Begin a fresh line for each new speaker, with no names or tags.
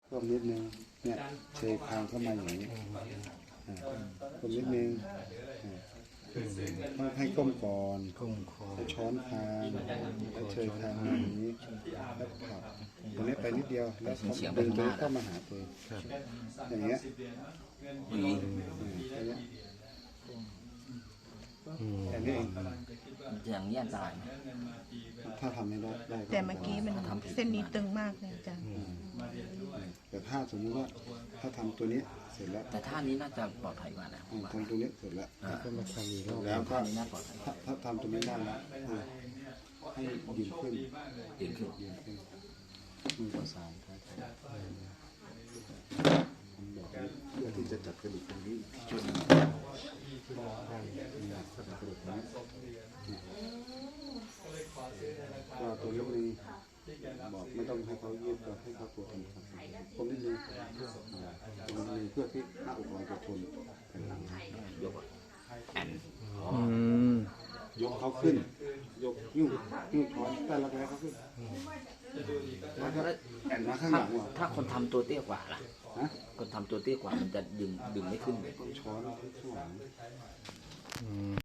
ก้มนิดนึงเนี่ยเชยคางเข้ามาอย่างนี้ก้มนิดนึงต้องให้ก้มก่อน
ก้มคอ
แล้วช้อนคางแล้วเชยคางมาอย่างนี้แล้วผลักตรงนี้ไปนิดเดียวแล้วดึงตัวเข้ามาหาตัวอย่างเงี้ยอย่างนี้แค่นี้เอง
อย่างนี้อันตรายไหม
ถ้าทำไม่ได้ได้
แต่เมื่อกี้มันเส้นนี้ตึงมากเลยอาจารย์
แต่ถ้าสมมติว่าถ้าทำตัวนี้เสร็จแล้ว
แต่ท่านี้น่าจะปลอดภัยกว่านะผมว่า
ทำตัวนี้เสร็จแล้ว
ก็มาทำอีกรอบ
แล้วก็
ท่านี้น่าปลอดภัย
ถ้าทำตัวนี้ได้แล้วให้ยืนขึ้น
ยืนขึ้น
ยืนขึ้นมือประสานท้ายทอยทำแบบนี้เพื่อที่จะจับกระดูกตรงนี้จุดจับกระดูกนี้ก็ตัวนี้นึงบอกไม่ต้องให้เขายืดก็ให้เขาตัวทำครับผมนิดนึงตรงนี้เพื่อที่หน้าอกเราจะทนแข็งแรง
ยกแอน
ยกเขาขึ้น ยกยิ้วช้อนแต่ละแผลเขาขึ้นแล้วก็แอนมาข้างหลังว่ะ
ถ้าคนทำตัวเตี้ยกว่าล่ะ
ฮะ
คนทำตัวเตี้ยกว่ามันจะดึงไม่ขึ้นเลย
ช้อนข้างหลัง